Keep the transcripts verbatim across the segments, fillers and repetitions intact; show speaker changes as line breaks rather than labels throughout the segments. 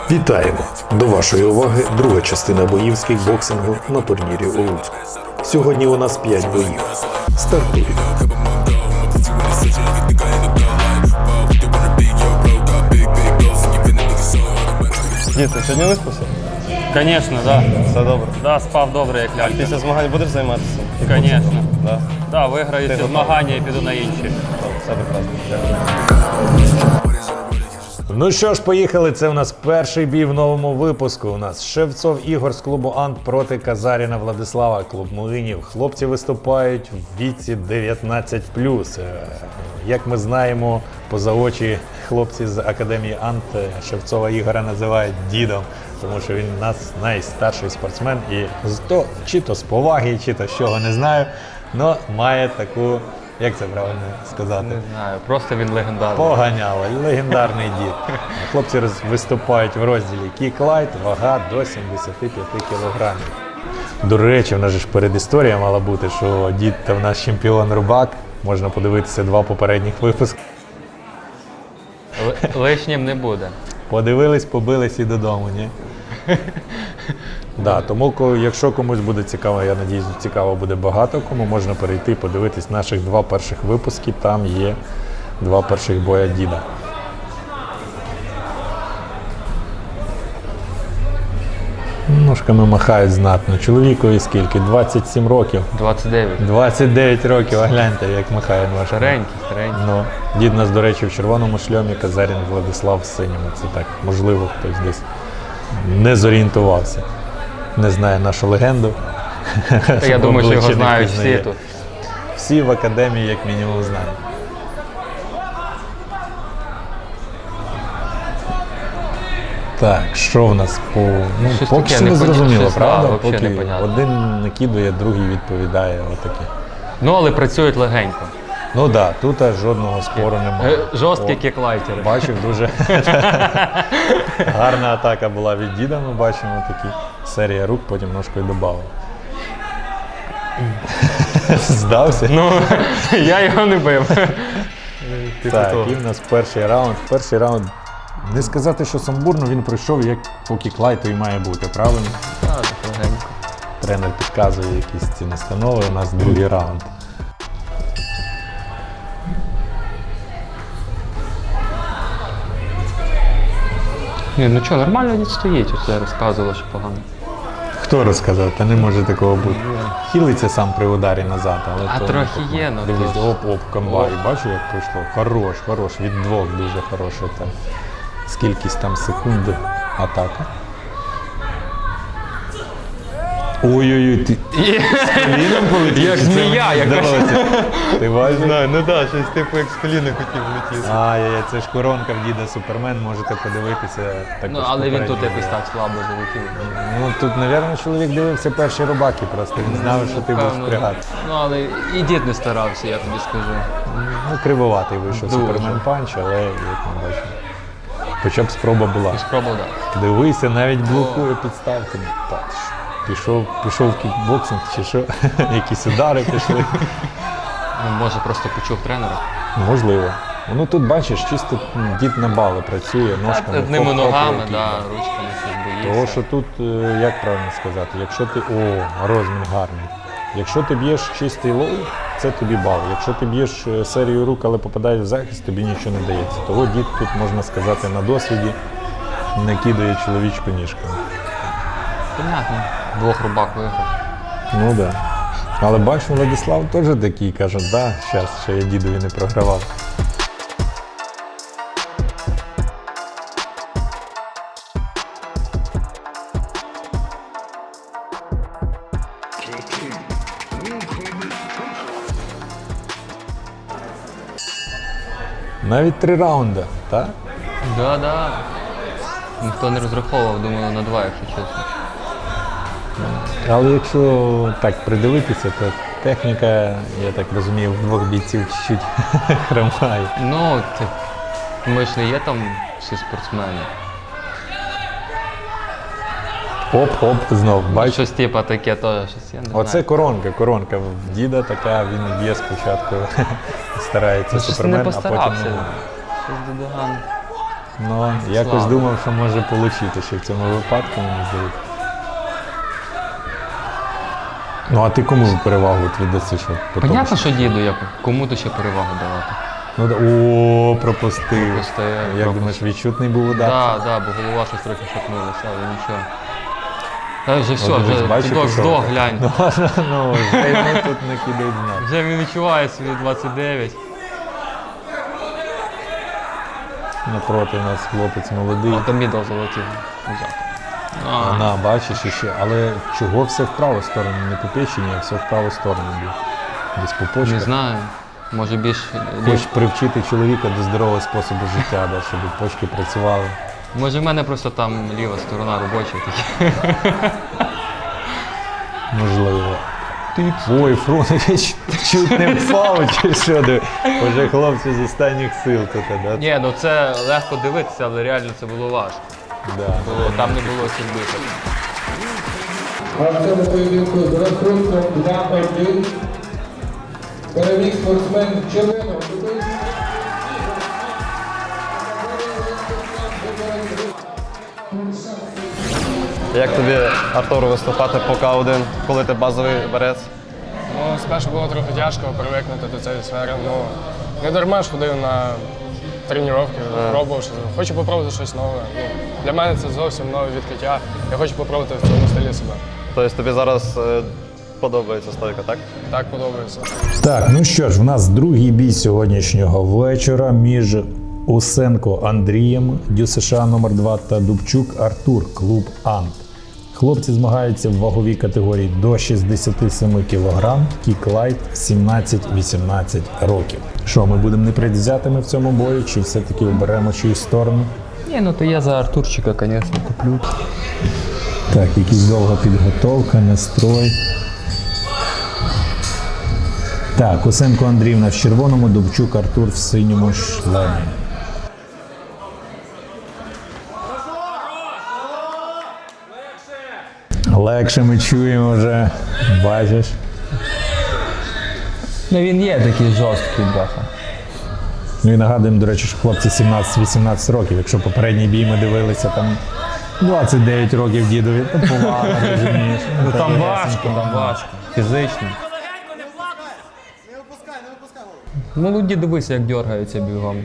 Вітаємо! До вашої уваги друга частина боїв з кікбоксингу на турнірі у Луцьку. Сьогодні у нас п'ять боїв. Стартуємо!
Дід, ти сьогодні виспався?
Звісно, так. Да.
Все добре.
Да, спав добре, як лялька.
Після змагань будеш займатися?
Звісно.
Да.
Да, виграю ці змагання і піду на інші.
Все прекрасно. Дякую.
Ну що ж, поїхали. Це у нас перший бій в новому випуску. У нас Шевцов Ігор з клубу Ант проти Казаріна Владислава, клуб Млинів. Хлопці виступають в віці дев'ятнадцять плюс. Як ми знаємо, поза очі хлопці з Академії Ант Шевцова Ігора називають дідом, тому що він у нас найстарший спортсмен і з то, чи то з поваги, чи то з чого, не знаю, але має таку, як це правильно сказати?
Не знаю, просто він легендарний.
Поганяло, легендарний дід. Хлопці роз- виступають в розділі кік-лайт, вага до сімдесят п'ять кілограмів. До речі, в нас же ж передісторія мала бути, що дід та в нас чемпіон рубак. Можна подивитися два попередніх випуски.
Л- лишнім не буде.
Подивились, побились і додому, ні? Да, тому, ко- якщо комусь буде цікаво, я надіюсь, цікаво буде багато кому, можна перейти, подивитись наших два перших випуски, там є два перших боя діда. Ножками махають знатно. Чоловікові скільки? двадцять сім років.
двадцять дев'ять.
двадцять дев'ять років, а гляньте, як махає ножками.
Старенький, старенький.
Ну, дід нас, до речі, в червоному шльомі, Казарін Владислав в синьому. Це так, можливо, хтось десь не зорієнтувався. Не знає нашу легенду.
Та я думаю, що його
Обличчя не
знають
впізнає.
всі тут.
Всі в академії, як мінімум, знають. Так, що в нас по... Ну,
Щось
поки
таке
що не
непонятне,
зрозуміло,
щось, да,
правда?
вообще
Поки
непонятно.
один накидує, другий відповідає. Отаке.
Ну, але працюють легенько.
Ну так, да, тут аж жодного спору немає.
Е, Жорсткі
О,
кіклайтери.
Бачив, дуже гарна атака була від діда, ми бачимо такі. Серія рук, потім ножкою додав. Здався?
Ну, я його не бив. Типу
Так,
того.
і в нас перший раунд. Перший раунд, не сказати, що самбурно, він пройшов, як по кіклайту і має бути, правильно?
Так, так легенько.
Тренер підказує якісь ці настанови, у нас другий раунд.
Ні, ну що, нормально дід стоїть, оце розказувало, що погано.
Хто розказав? Та не може такого бути. Хилиться сам при ударі назад, але
А
то
трохи
не так.
є, ну,
Дивись,
то ж.
оп, оп, комбай. Бачиш, як пройшло? Хорош, хорош. Від двох дуже хороша там. Скількись там секунд атака. Ой-ой-ой, ти з коліном полетів?
Як
Чи це
змія,
мені
яка.
здалося? Ти бачиш?
ну так, щось типу як з коліна хотів влетіти.
Ай-яй, це ж коронка в діда Супермен, можете подивитися. Також
Ну, але він тут
попередньо.
якось так слабо залетів.
Ну, тут, мабуть, чоловік дивився перші рубаки просто, він знав, що ти будеш
Певно.
впрягати.
Ну, але і дід не старався, я тобі скажу.
Ну, кривоватий вийшов
Дуже.
Супермен панч, але, як ми бачимо, хоча б спроба була.
Спробував, так.
Дивися, навіть блокує підставки. Так, пішов, пішов в кікбоксинг чи що, якісь удари пішли.
Ну, може, просто почув тренера.
Можливо. Ну тут бачиш, чисто дід на бали працює, ножками.
Одними
хоп-хоп,
ногами,
руки.
да, ручками щось боїться.
Тому що тут, е, як правильно сказати, якщо ти, о, розмін гарний. Якщо ти б'єш чистий лоу, це тобі бал. Якщо ти б'єш е, серію рук, але попадаєш в захист, тобі нічого не дається. Того дід тут, можна сказати, на досвіді не кидає чоловічку ніжками.
Понятно. Двох рубак виграв.
Ну так. Да. Але бачу, Владислав теж такий, каже, да, зараз ще я дідові не програвав. Навіть три раунди, так?
Да, да. Ніхто не розраховував, думаю, на два, якщо чесно.
Але якщо так придивитися, то техніка, я так розумію, в двох бійців чуть-чуть хромає.
Ну, ти, ми ж не є там всі спортсмени.
Оп-оп, знов, бачиш?
Щось типу таке теж, щось я не
Оце
знаю.
коронка, коронка в діда така, він б'є спочатку, старається
Ну, щось не
Супермен, а потім...
постарався.
ну,
Щось додоган.
Ну, якось
Слава.
думав, що може отримати ще в цьому випадку, мені здається. Ну, а ти кому перевагу от віддаси, що по тому,
Понятно, що діду, я кому-то ще перевагу давати.
Ну, да- о, пропустив.
Просто я
Як
пропустив.
думаєш, відчутний був удар?
Так, да, бо голова щось трохи шатнулася, але нічого. Та вже все,
От дивись,
вже
бачиш,
здох,
пішов.
здох, глянь.
Ну, вже йому тут не кидають знак.
Вже він відчуває свої двадцять дев'ять.
Напроти у нас хлопець молодий.
А там мідл залетів. Взяв. А,
На, бачиш іще. Але чого все в праву сторону? Не по печені, а все в праву сторону б'є. Десь по
не
почках.
знаю. Може більш...
Хочеш привчити чоловіка до здорового способу життя, да, щоб почки працювали.
Може в мене просто там ліва сторона робоча такі.
Можливо. Ой, Фронович чуть не впав, чи що? Диви. Уже хлопці з останніх сил тут, да?
Ні, ну це легко дивитися, але реально це було важко.
Да.
Бо там не було сільби.
А в цьому поєдинку з рахунком два один переміг спортсмен червоного.
Як тобі, Артуру, виступати по К один, коли ти базовий борець?
Ну, спершу було трохи тяжко привикнути до цієї сфери. Ну, не дарма ж ходив на тренування, пробував, що хочу попробувати щось нове. Ну, для мене це зовсім нове відкриття. Я хочу попробувати в цьому стилі себе.
Тобто тобі зараз е, подобається стойка, так?
Так подобається.
Так, ну що ж, у нас другий бій сьогоднішнього вечора між Усенко Андрієм, Дю США номер два та Дубчук Артур, клуб Ант. Хлопці змагаються в ваговій категорії до шістдесят сім кілограм, кік-лайт сімнадцять-вісімнадцять років. Що, ми будемо непредвзятими в цьому бою, чи все-таки оберемо чиюсь сторону?
Ні, ну то я за Артурчика, звісно, куплю.
Так, якась довга підготовка, настрой. Так, Усенко Андріївна в червоному, Дубчук Артур в синьому шлемі. Легше ми чуємо вже, бачиш.
Ну він є такий жорсткий, бляха.
Ну і нагадуємо, до речі, що хлопці сімнадцять-вісімнадцять років. Якщо попередній бій ми дивилися, там двадцять дев'ять років дідові, то повага, розумієш.
Ну там важко, там важко. Фізично. Молоді, дивися, як дергаються бігом.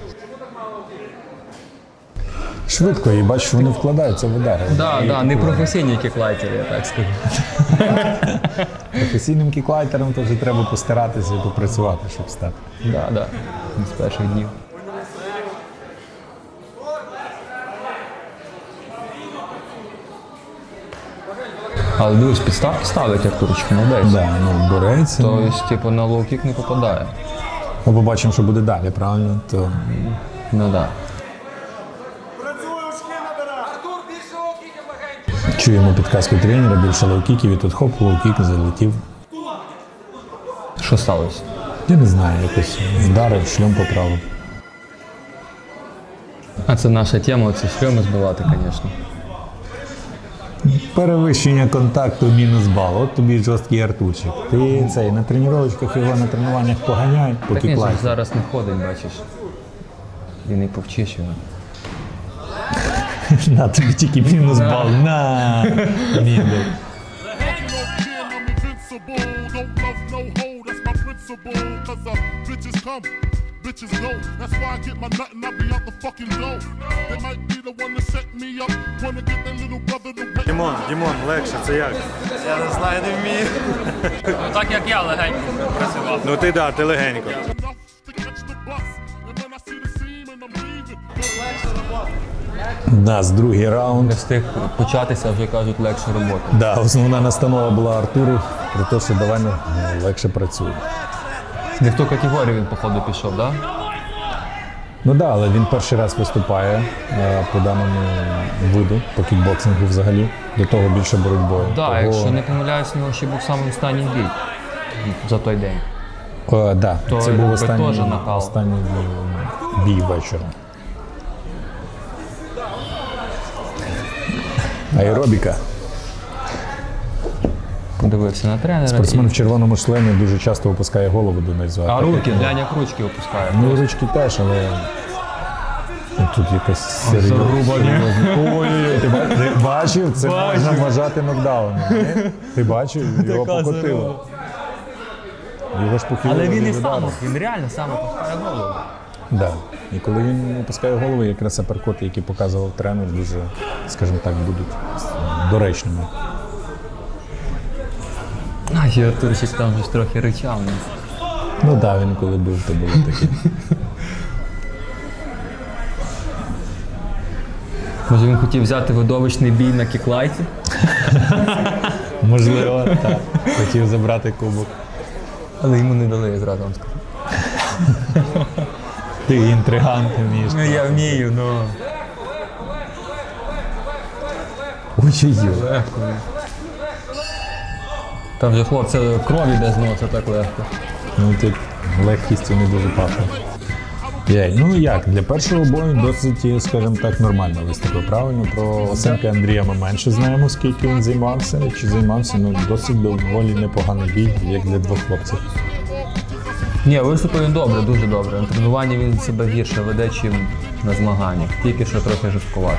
Швидко, і бачиш, вони вкладаються в удари.
Так, да, да, не професійні кіклайтери, я так скажу.
Професійним кіклайтером то вже треба постаратися і попрацювати, щоб стати.
Так, да, так. Да. З перших днів. Але дивись, підставки ставить Артурчик, молодець.
Да, ну, бореться.
Тобто, типу, на лоу-кік не попадає.
Ми побачимо, що буде далі, правильно? То...
Ну так. Да.
Чуємо підказку тренера, більше лоу-кіків, і тут хоп, лоу-кік залетів.
Що сталося?
Я не знаю, якось вдарив, шльом поправив.
А це наша тема, це шльоми збивати, звісно.
Перевищення контакту мінус бал. От тобі жорсткий Артурчик. Ти цей на тренувачках його на тренуваннях поганяй,
Так
поки
він же
класі.
зараз не ходить, бачиш. І не повчиш його.
На тобі тільки мінус бал. На! Мідл.
I'm invincible, don't love no hoe, that's my principle. Cause uh, bitches come, bitches go. That's why I get my nut and I be out the fucking door. They might be the one to set me up, wanna get their little brother to wet.
Дімон, Дімон, легше, це як?
Я не знаю, не вмію.
Так як я легенько працював.
Ну ти да, ти легенько.
Enough to catch the bus. And when I see the seam and I'm leaving,
У нас другий раунд.
Не встиг початися, вже кажуть, легше робота.
Да, основна настанова була Артуру про те, що давай ну, легше працює.
Не в ту категорію він, походу, пішов, так? Да?
Ну так, да, але він перший раз виступає е, по даному виду, по кікбоксингу взагалі. До того більше боротьбою.
Так, да,
Того...
якщо не помиляюсь, у нього ще був самий останній бій за той день.
О, да,
То
це був
якби
останній,
теж накал.
останній бій, бій вечора. Аеробіка.
Подивився на тренера.
Спортсмен
і-
в червоному шлемі дуже часто опускає голову донизу.
А
так
руки,
як-
глянь, як ручки опускає.
Ну, ручки теж, але Тут якась серйозна. Ой-ой-ой, ти ба- ти бачив? Це можна вважати нокдауном. ні? Ти бачив? Його покотило. Його ж похилило.
Але він і
від
сам,
удару.
він реально сам опускає голову.
Да. І коли він опускає голову, якраз аперкоти, які показував тренер, дуже, скажімо так, будуть доречними.
А, і Артурчик там ж трохи ричав. ну.
Ну так, да, він коли бив, то було таке.
Може він хотів взяти видовищний бій на кіклайті?
Можливо, так. Хотів забрати кубок.
Але йому не дали, я зразу вам скажу.
Ти інтригант вмієш.
Ну я вмію, ну.
Ой-ой-ой.
Легко. Там же хлопці кров іде з носа так легко.
Ну тут легкістю не дуже пахне. Яй, ну як, для першого бою досить, скажімо так, нормально виступив. Правильно, про Осенка Андрія ми менше знаємо, скільки він займався, чи займався, ну досить доволі непоганий бій, як для двох хлопців.
Ні, виступив він добре, дуже добре. На тренуванні він себе гірше веде, чим на змаганнях. Тільки що трохи жорсткувато.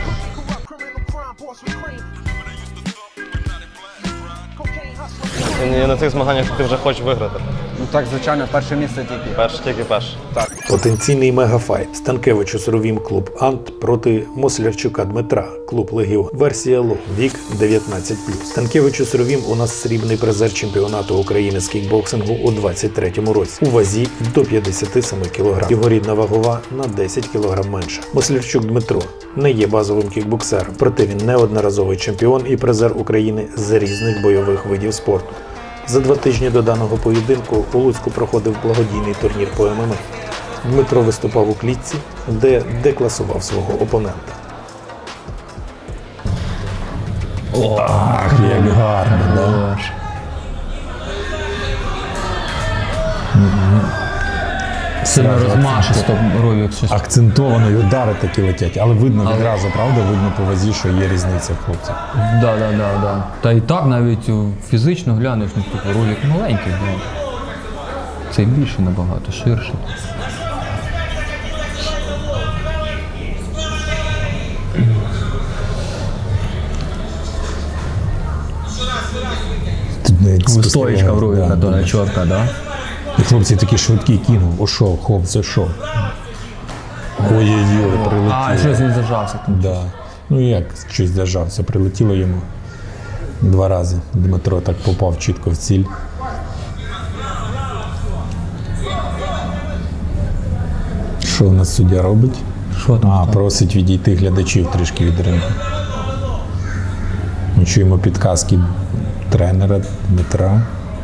І на цих змаганнях ти вже хочеш виграти.
Ну так, звичайно, перше місце тільки.
Перш тільки перш.
Потенційний мегафайт. Станкевичу Суровім клуб Ант проти Мослярчука Дмитра, клуб Легіон. Версія Ло, вік дев'ятнадцять плюс. Станкевичу Суровім у нас срібний призер чемпіонату України з кікбоксингу у двадцять третьому році. У вазі до п'ятдесят сім кілограм. Його рідна вагова на десять кілограм менша. Мослярчук Дмитро не є базовим кікбоксером, проте він неодноразовий чемпіон і призер України з різних бойових видів спорту. За два тижні до даного поєдинку у Луцьку проходив благодійний турнір по ем ем а. Дмитро виступав у клітці, де декласував свого опонента. Ах, як гарно, да?
Сильно розмашисто Ровік щось.
Акцентовано, і удари такі летять, але видно відразу, правда? Видно по вазі, що є різниця в хлопців.
Да, да, да, да. Та і так навіть о, фізично глянеш, ну типу Ровік маленький, ну. Цей більший набагато, ширший.
Тут навіть
Стоїчка в Ровіка,
да,
то
да.
не чорта, да?
І хлопці такі швидкі кинув, ошов, хоп, зайшов. Ой-ой-ой, прилетіло.
А, щось він зажався там.
Да. Ну як щось зажався, прилетіло йому два рази. Дмитро так попав чітко в ціль. Що у нас суддя робить?
Що там?
А, просить відійти глядачів трішки від рингу. Ми чуємо підказки тренера Дмитра.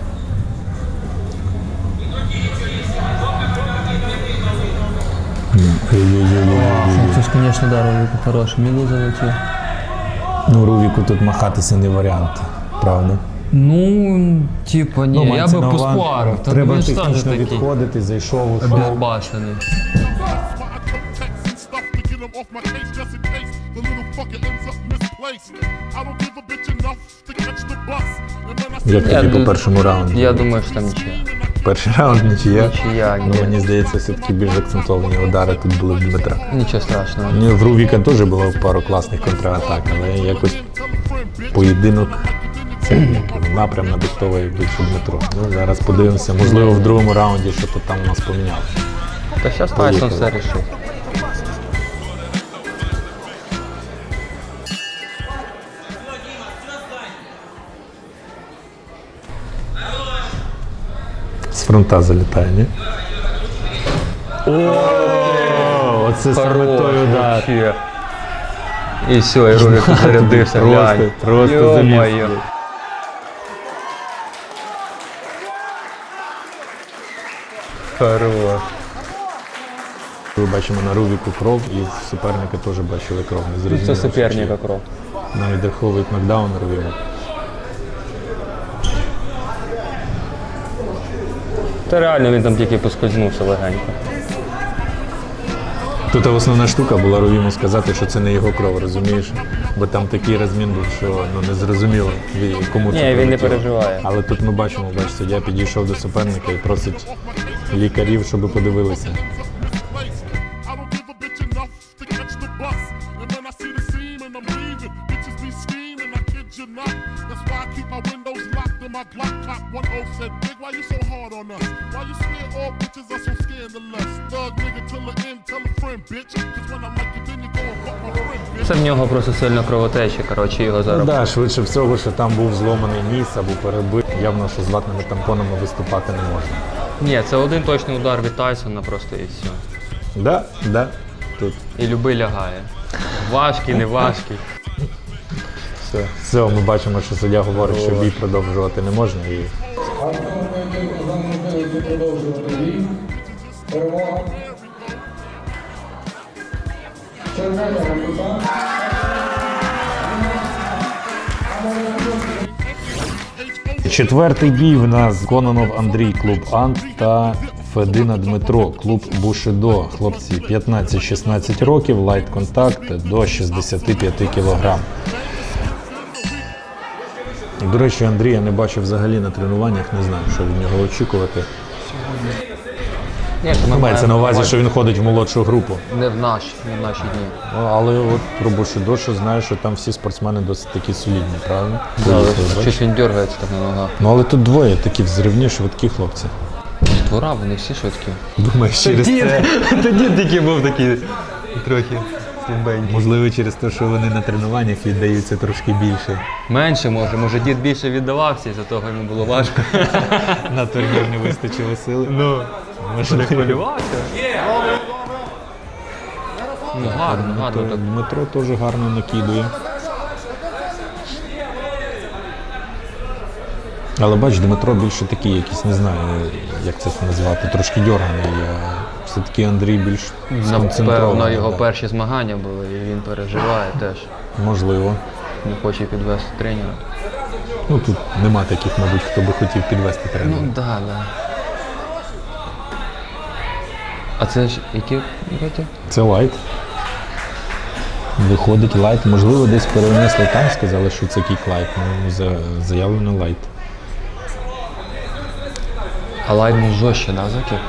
Ой-ой-ой.
Це ж, звісно, да, Ровіку хороший. Міло залетів.
Ну, Рувіку тут махатися не варіант, правда?
Ну, типа, ні, я
мається
би
на увазі,
поспарив. Та
треба
він ж теж
технічно
такий
відходити, зайшов, ушов.
безбашений.
That's why I come text and stuff to get him off my case just in case the little fucker ends up misplaced. I don't give a bitch enough to catch the bus. And when I see
Як тобі по першому раунду?
Я думаю, що там нічия.
Перший раунд нічия.
Нічия,
Ну,
ні.
мені здається, все-таки більш акцентовані удари тут були в Дмитра.
Нічого страшного.
Ну, в Рувіка теж було пару класних контратак, але якось поєдинок це як напрям надиктовує більше Дмитро. Ну, зараз подивимося, можливо, в другому раунді що то там у нас помінялося.
Та зараз Тайсон все рішив.
З фронта залітає, ні? О, оце саме той удар.
Вообще. І все, і Ровік зарядився,
Просто,
глянь.
просто заліз.
Ё-моё. Хорош.
Ми бачимо на Рувіку кров, і в суперника теж бачили кров. Не зрозуміло,
Це
що
суперника кров.
чи навіть раховують нокдаун Рувіку.
Та реально він там тільки поскользнувся легенько.
Тут основна штука була Рувіму сказати, що це не його кров, розумієш? Бо там такий розмін був, що ну, не зрозуміло, ві- кому це
Ні, він не
прилетіло.
переживає.
Але тут ми бачимо, бач, суддя підійшов до суперника і просить лікарів, щоб подивилися.
I don't give a bitch enough to catch hard on us. Why you swear all bitches are so scandalous? Thug nigga till the end, tell a friend, bitch. Cause when I'm like you, then you go and fuck my friend, bitch.
Це в нього просто сильно кровотеча, коротше, його
Ну,
зараз.
да, швидше всього, що там був зломаний ніс або перебит. Явно, що з латними тампонами виступати не можна.
Ні, це один точний удар від Тайсона просто і все.
Да, да, тут.
І любий лягає. Важкий, не важкий.
Все, все, ми бачимо, що суддя говорить, що бій продовжувати не можна. І
А в цьому поєдинку за можливості продовжувати бій. Перемога. Червоного кута.
четвертий бій в нас Кононов Андрій, клуб Ант, та Федина Дмитро, клуб Бушидо. Хлопці п'ятнадцять-шістнадцять років, лайт контакт до шістдесят п'ять кілограм. До речі, Андрія не бачив взагалі на тренуваннях, не знаю, що від нього очікувати.
Ні, то ми
Мається на
маємо
увазі, що він ходить в молодшу групу.
Не в наші, не в наші дні.
Ну, але от про Бушидо, що знаю, що там всі спортсмени досить такі солідні, правильно?
Але
Бачиш?
щось він дергається так на ногах.
Ну але тут двоє такі взривні, швидкі хлопці.
Двора, вони всі швидкі.
Думаєш, через це?
Тоді тільки був такий трохи слабенький.
Можливо, через те, що вони на тренуваннях віддаються трошки більше.
Менше може, може дід більше віддавався, і за того йому було важко.
На турнір не вистачило сили.
Ну,
Може,
не хвилювався. Ну, гарно, гарно так.
Дмитро теж гарно накидує. Але бач, Дмитро більше такий якийсь, не знаю, як це назвати, трошки дьорганий. А все-таки Андрій більш
Напевно,
сконцентрований.
його
да.
перші змагання були, і він переживає теж.
Можливо.
Не хоче підвести тренера.
Ну тут нема таких, мабуть, хто би хотів підвести тренера.
Ну, да, да. А це ж які роки?
Це лайт. Виходить лайт. Можливо, десь перенесли там, сказали, що це кік лайт. Ну, за- заявлено лайт.
А лайт був жорстче, да, за кік?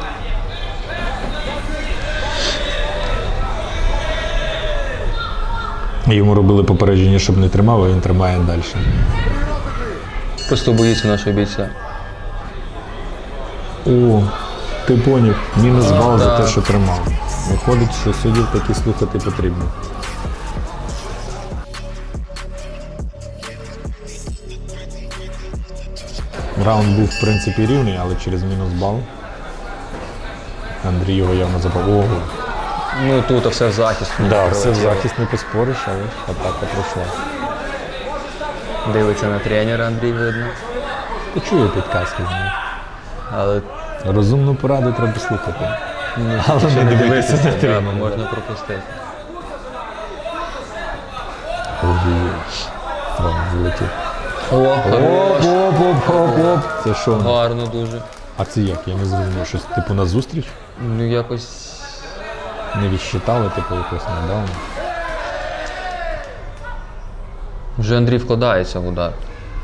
Йому робили попередження, щоб не тримав, а він тримає далі.
Просто боїться нашого бійця.
О, ти поняв, мінус бал за те,
так.
що тримав. Виходить, що суддів таки слухати потрібно. Раунд був, в принципі, рівний, але через мінус бал. Андрій його явно запав. Ого.
Ну тут все в захист.
Да, все в захист не поспориш, але ж атака пройшла.
Дивиться на тренера, Андрій видно.
Почує підказки з ним.
Але
Розумну пораду треба слухати. Але
ще
не
не
дивитися
дивитися,
на
да,
тренера.
можна пропустити.
Ой-ой-ой. Раунд залетів.
О, хорош.
Оп-оп-оп-оп. Це що?
Гарно дуже.
А це як? Я не зрозумів. Щось типу на зустріч?
Ну якось.
Не відсчитали, типу якось нокдаун.
Вже Андрій вкладається в удар.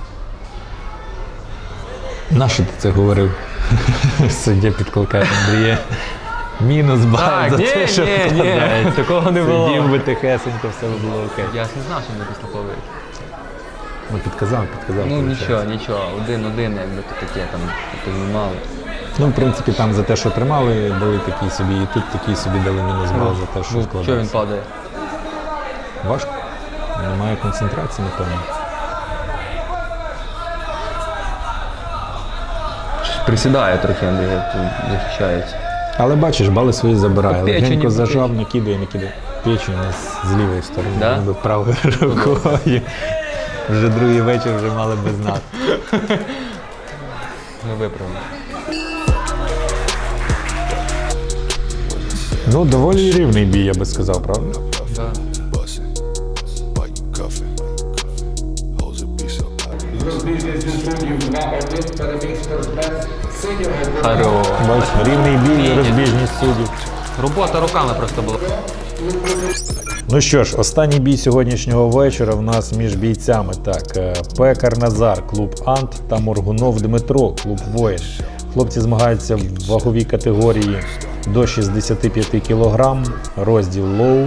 Нащо ти це говорив? Суддя підкликає Андрія. Мінус бал за те, що вкладається.
такого не
Суддів би тихесенько, все було окей.
Я ж не знав, що не підслуховують.
Ну підказав, підказав.
Ну
виходить.
нічого, нічого, один-один, якби то таке там познімали.
Ну, в принципі, там за те, що тримали, дали такі собі, і тут такі собі дали мінус бал за те, що
Ну, що він
вкладається.
падає?
Важко. Немає концентрації, напевно.
Щось присідає трохи Андрій, як тут захищається.
Але бачиш, бали свої забирає.
Печені,
Легенько
печені.
зажав, накидує, накидує. Печень у нас з лівої сторони,
Да?
ніби правою рукою. Вже другий вечір вже мали без нас.
Ми виправимо.
Ну, доволі рівний бій, я би сказав, правда?
Да.
З розбіжністю суддів два один переміг спортсмен синього
Хорош.
Бачиш, рівний бій, розбіжність суддів.
Робота руками просто була.
Ну що ж, останній бій сьогоднішнього вечора в нас між бійцями. Так, е, Пекар Назар, клуб Ант, та Моргунов Дмитро, клуб Воїн. Хлопці змагаються в ваговій категорії до шістдесят п'ять кілограм, розділ лоу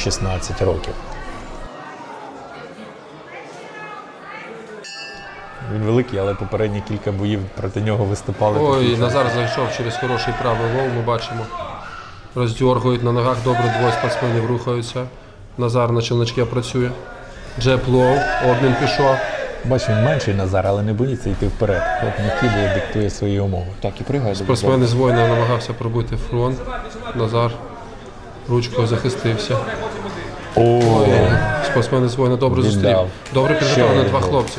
п'ятнадцять-шістнадцять років. Він великий, але попередні кілька боїв проти нього виступали.
Ой,
такі,
Назар зайшов через хороший правий лов, ми бачимо. Роздьоргують на ногах, добре двоє спортсменів рухаються. Назар на челночке працює. Джеб лоу, обмін пішов.
Бачу, він менший Назар, але не боїться йти вперед. От не кидає, диктує свої умови.
Так, і пригає.
Спортсмен із воїна намагався пробити фронт. Назар ручкою захистився.
О,
Спортсмен із воїна добре
Віддав.
зустрів. Добре підготовлені
Ще
два
один.
хлопці.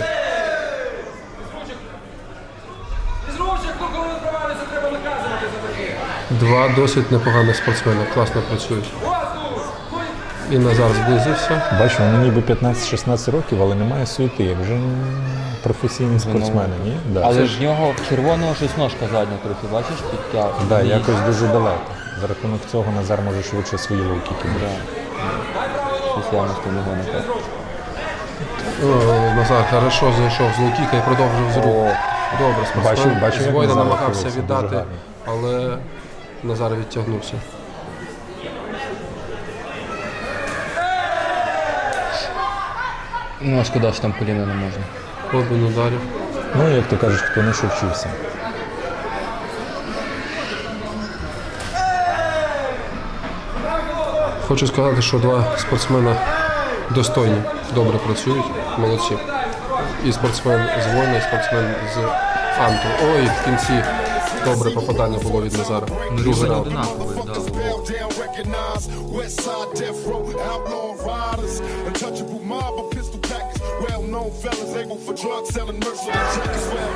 Два досить непоганих спортсмена, класно працюють. І Назар зблизився.
бачу, вони ніби п'ятнадцять-шістнадцять років, але немає суєти, як вже професійні спортсмени, ні? Да.
Але ж в нього червоного щось ножка задня трохи, бачиш, підтяг.
Да, якось дуже далеко. За рахунок цього Назар може швидше свої луки кидати.
Щось явно з того не так.
О, Назар хорошо зайшов з лоу-кіка і продовжив з рук. Добре, спортсмен
Бачу- бачу,
з
як
воїна
Назар
намагався
рухається,
віддати,
дуже гарно.
але Назар відтягнувся.
Ну, а шкода, що там коліна не можна.
Обмін ударів.
Ну, як то кажуть, хто не що вчився.
Хочу сказати, що два спортсмена достойні, добре працюють, молодці. І спортсмен з воїна, і спортсмен з Анту. Ой, в кінці добре попадання було від Назара. Другий раунд.
Одинаковий, да.
Down, recognize West Side Death Row, outlaw riders, untouchable mob of pistol packers, well-known fellas able for drug selling, merciless jackets, well,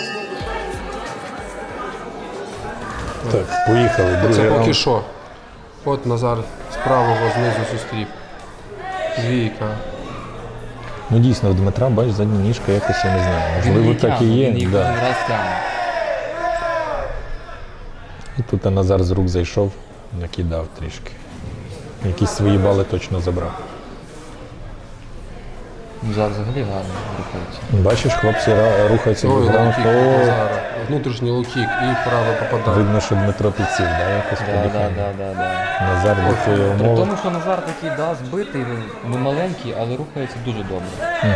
Так, поїхали. Другий
Це поки
раунд.
що. От Назар з правого знизу зустрів. Двійка.
Ну дійсно, в Дмитра, бач, задня ніжка якось, я не знаю.
Він
Можливо,
її
так і
тягне,
є.
він їх
Да.
один раз тягне.
І тут Назар з рук зайшов, накидав трішки. Якісь свої бали точно забрав.
Ну, зараз взагалі гарно рухається.
Бачиш, хлопці ра- рухаються
Ой,
від раунд.
лоу-кік від
О,
Назара. Внутрішній лоу-кік і праве попадання.
видно, що Дмитро підсів, да, якось
Да, да,
подихання.
да, да, да.
Назар диктує
При
умови.
тому, що Назар такий, да, збитий, він не маленький, але рухається дуже добре.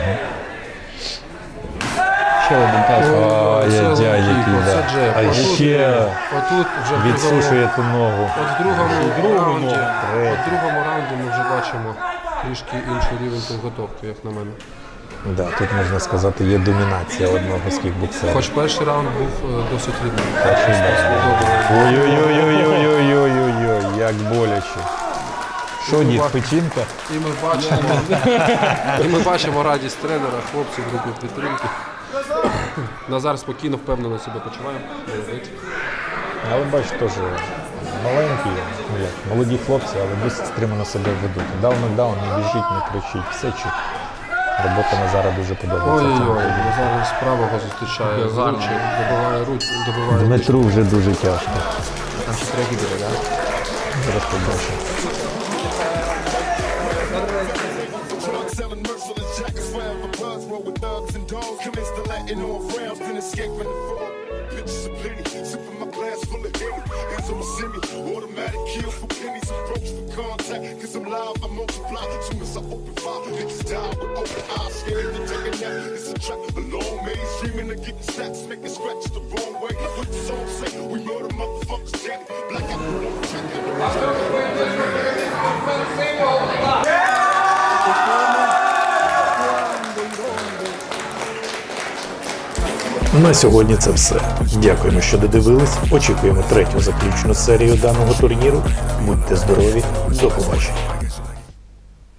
Ще один тайс.
Ай,
Це
яй,
лоу-кік,
який,
оце
да.
джеб.
А
Отут-
ще
Отут вже в другому,
відсушує ту ногу.
от в другому раунді,
третій.
от в другому раунді ми вже бачимо трішки інший рівень підготовки, як на мене.
Да, тут можна сказати, є домінація одного з кікбоксерів.
Хоч перший раунд був е, досить рівний.
Перший, да.
Добре.
Ой-ой-ой-ой-ой-ой-ой, як боляче. Що, дід, печінка?
І ми бачимо, і ми бачимо радість тренера, хлопців, групи підтримки. Назар спокійно, впевнено себе почуває. Молодець.
Але бач, теж маленькі, ну як, молоді хлопці, але досить стримано себе ведуть. Дав нокдаун, не біжить, не кричить, все чітко. Робота Назара дуже подобається.
Ой-ой-ой, Назар з правого зустрічає з ручі, добиває руч, добиває.
Дмитру вже дуже тяжко.
Там ще треки буде, так?
Зараз побачимо.
drug selling, merciless jackets, forever buzz, roll with thugs and dogs, commence to Latin on frowns, then escaping the fall. Bitches are plenty, sipping my glass full of Henny, hands on my semi, automatic kill for pennies, approach for contact, cause I'm live, I multiply, soon as I open fire, bitches die with open eyes, scared to take a nap, it's a trap, a long maze, dreaming of getting stacks, making scratches the wrong way, what the song say, we murder motherfuckers dead, black out, don't check
На сьогодні це все. Дякуємо, що додивились. Очікуємо третю заключну серію даного турніру. Будьте здорові, до побачення.